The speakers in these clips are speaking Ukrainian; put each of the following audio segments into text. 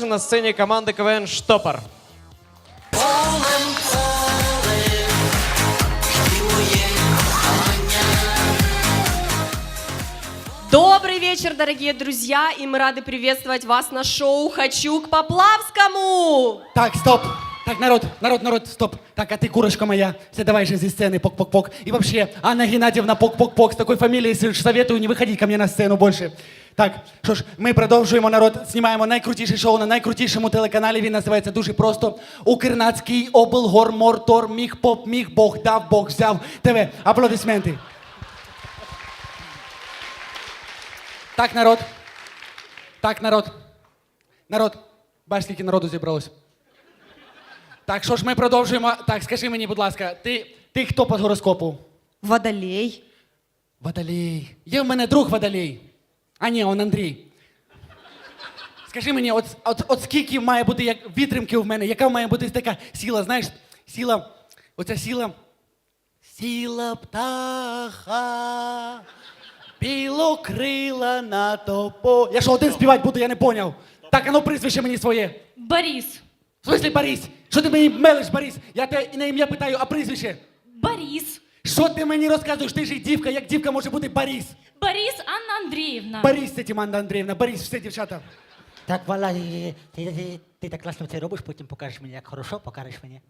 На сцені команди КВН «Штопор». Добрый вечер, дорогие друзья, и мы рады приветствовать вас на шоу «Хочу к Поплавскому». Так, стоп. Так, народ, стоп. Так, а ты, курочка моя, все давай же зі сцены, пок-пок-пок. И вообще, Анна Геннадьевна, пок-пок-пок, с такой фамилией советую не выходить ко мне на сцену больше. Так, що ж, ми продовжуємо, народ, знімаємо найкрутіше шоу на найкрутішому телеканалі. Він називається дуже просто «Укрнацький облгормортор міг поп міг Бог дав, Бог взяв». ТВ. Аплодисменти. Так, народ. Так, народ. Народ. Бачиш, скільки народу зібралось. Так, що ж, ми продовжуємо. Так, скажи мені, будь ласка, ти хто по гороскопу? Водолей. Водолей. Є в мене друг Водолей. А ні, он Андрій. Скажи мені, от скільки має бути як вітримки в мене, яка має бути така сила, знаєш, сила, оця сила. Сила птаха, білокрила на топо. Я що, один співати буду, я не поняв. Так, а ну прізвище мені своє. Борис. В смислі Борис? Що ти мені мелиш, Борис? Я тебе на ім'я питаю, а прізвище? Борис. Що ти мені розказуєш? Ти ж і дівка, як дівка може бути Борис? Борис Анна Андреевна. Борис, це Тиманда Андріївна, Борис, все, дівчата. Так, Вала, ти так класно це робиш, потім покажеш мені, як хорошо, покажеш мені.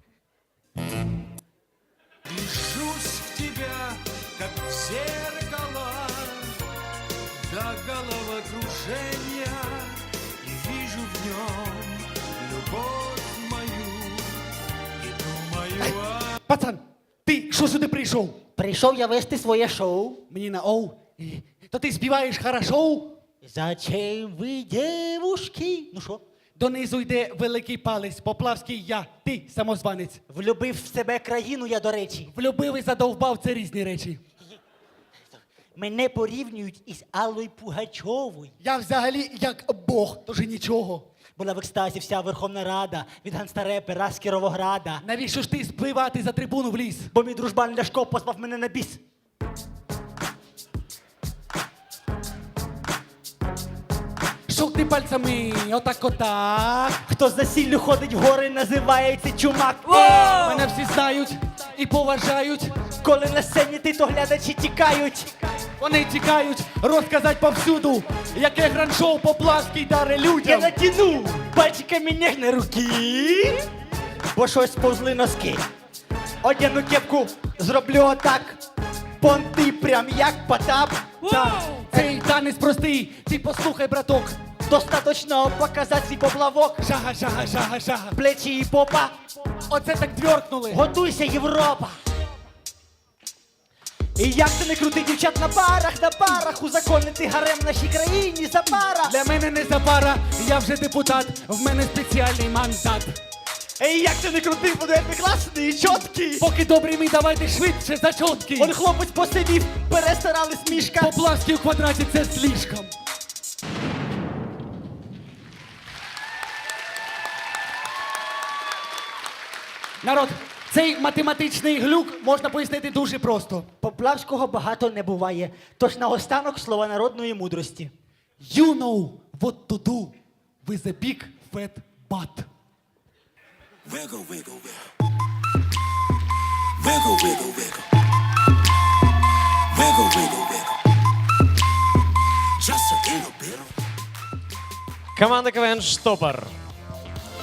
Вижусь в тебя, как в зеркало, до головокружения, и вижу в нем любовь мою, и думаю о... Пацан, ти що сюди прийшов? Прийшов я вести своє шоу. Мені на оу. То ти співаєш хорошо? Зачем ви, девушки? Ну що? Донизу йде великий палець, Поплавський я, ти самозванець. Влюбив в себе країну я, до речі. Влюбив і задовбав, це різні речі. Мене порівнюють із Аллою Пугачовою. Я взагалі як Бог, тож і нічого. Була в екстазі вся Верховна Рада від ганстарепера з Кіровограда. Навіщо ж ти спливати за трибуну в ліс? Бо мій дружбан Ляшко позвав мене на біс. Шов ти пальцями, отак. Хто за сіллю ходить в гори, називається чумак. Мене всі знають і поважають. Коли на сцені ти, то глядачі тікають. Вони тікають розказать повсюду, яке гранд-шоу Поплавський даре Я людям. натяну пальчиками ніжні руки, бо щось повзли носки. Одягну кепку, зроблю отак. Понти прям як Потап. Так, цей танець простий, ти послухай, браток. Достаточно показати свій поплавок. Жага, жага, жага, жага. Плечі і попа. Оце так двьоркнули. Готуйся, Європа. І як ти не крути дівчат на парах, узаконити гарем в нашій країні за пара. Для мене не запара, я вже депутат, в мене спеціальний мандат. І як ти не крути, буду я класний і чіткий. Поки добрий мій, давайте швидше зачотки. Он хлопець посидів, перестарались мішка. Поплавський у квадраті це слишком. Народ, цей математичний глюк можна пояснити дуже просто. Поплавського багато не буває, тож наостанок слова народної мудрості. You know what to do with a big fat butt. Wiggle, wiggle, wiggle. Wiggle, wiggle, wiggle. Wiggle, wiggle, wiggle. Just a little bit. Команда КВН «Штопор».